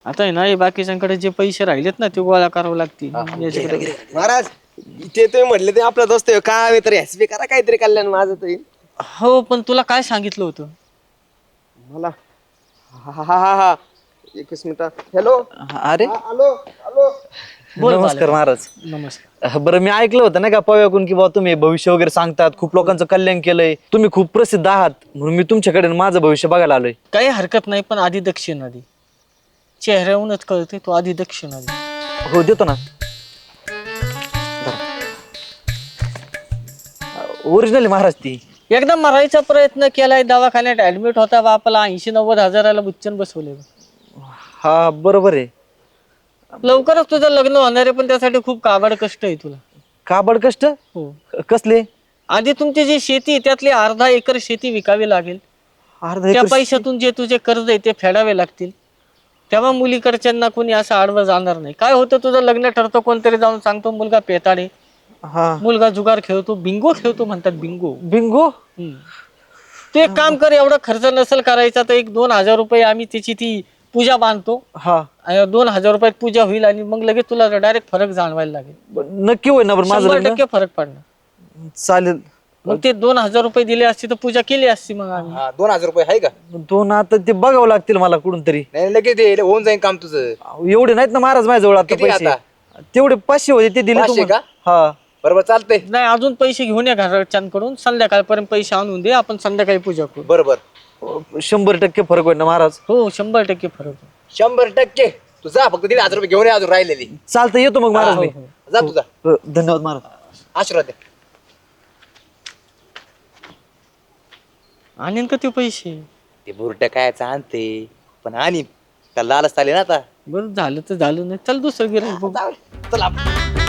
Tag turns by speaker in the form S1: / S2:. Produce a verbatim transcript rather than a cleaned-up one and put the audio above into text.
S1: आता आहे ना हे बाकीच्यांकडे जे पैसे राहिलेत ना ते गोळा करावे लागतील याच्याकडे.
S2: महाराज इथे तुम्ही म्हटले ते आपला दोस्त आहे, काय तरी हसबी करा काहीतरी कल्याण माझं तरी.
S1: हो पण तुला काय सांगितलं होतं?
S2: मला हा हा हा हा एकच मिनिट. हॅलो.
S3: अरे
S2: हॅलो हॅलो.
S1: बोल
S3: नमस्कार
S1: बालक.
S3: महाराज.
S1: नमस्कार.
S3: बरं मी ऐकलं होतं ना का पव्याकून की बाबा तुम्ही भविष्य वगैरे सांगतात, खूप लोकांचं कल्याण केलंय, तुम्ही खूप प्रसिद्ध आहात, म्हणून मी तुमच्याकडे माझं भविष्य बघायला आलोय.
S1: काही हरकत नाही पण आधी दक्षिणा दे. चेहऱ्याहूनच कळते तो आधी दक्षिणा दे.
S3: हो देतो ना. ओरिजिनल आहे महाराज ती.
S1: एकदा मरायचा प्रयत्न केलाय, दवाखान्यात ऍडमिट होता बापाला ऐंशी नव्वद हजाराला बुच्चन बसवले.
S3: हा बरोबर आहे.
S1: लवकरच तुझं लग्न होणार आहे पण त्यासाठी खूप काबाड कष्ट आहे तुला.
S3: काबड कष्ट
S1: हो.
S3: कसले?
S1: आधी तुमची जी शेती आहे त्यातली अर्धा एकर शेती विकावी लागेल.
S3: अर्धा
S1: त्या
S3: एकर
S1: पैशातून जे तुझे कर्ज आहे ते फेडावे लागतील. तेव्हा मुलीकडच्यांना कोणी असं आडवं जाणार नाही. काय होतं तुझं लग्न ठरतं, कोणतरी जाऊन सांगतो मुलगा पेताडे,
S3: हा
S1: मुलगा जुगार खेळतो, बिंगो खेळतो म्हणतात बिंगो.
S3: बिंगो.
S1: तू एक काम कर, एवढा खर्च नसेल करायचा तर एक दोन हजार रुपये आम्ही त्याची ती पूजा बांधतो.
S3: हा
S1: आणि दोन हजार रुपयात पूजा होईल आणि मग लगेच तुला डायरेक्ट फरक जाणवायला लागेल.
S3: नक्की होईल ना बरं माझं
S1: शंभर
S3: लग्न?
S1: टक्के फरक पडणार.
S3: चालेल.
S1: मग ते दोन हजार रुपये दिले असते तर पूजा केली असती मग आम्ही.
S2: हा दोन हजार रुपये आहे का?
S3: दोन आता ते बघावं लागतील मला कुठून तरी.
S2: नाही लगेच दे, होऊन जाईल काम तुझं.
S3: एवढे नाहीत ना महाराज माझ्याजवळ आता
S2: किती
S3: पैसे.
S2: आता?
S3: तेवढे पाचशे होते ते दिले
S2: पाचशे
S3: तुम्हाला.
S2: का?
S3: हा
S2: बरोबर चालतंय.
S1: नाही अजून पैसे घेऊन या घरच्यांकडून, संध्याकाळपर्यंत पैसे आणून दे, आपण संध्याकाळी पूजा करू.
S2: बरोबर
S3: शंभर टक्के फरक होईल ना महाराज?
S1: हो शंभर टक्के फरक आहे.
S2: शंभर टक्के. तुझा फक्त दीड हजार रुपये घेऊन ये अजून राहिलेली.
S3: चालतं येतो मग महाराज
S1: हो,
S3: मी.
S1: हो.
S2: जा तुझा.
S3: हो, धन्यवाद महाराज.
S2: आशीर्वाद दे.
S1: आणीन का ते पैसे?
S2: ते बुरट काय आणते पण आणि त्याला लालच आले ना आता.
S1: बरं झालं तर झालं, नाही चल दुसरं गिऱ्हाईक बघू.
S2: चला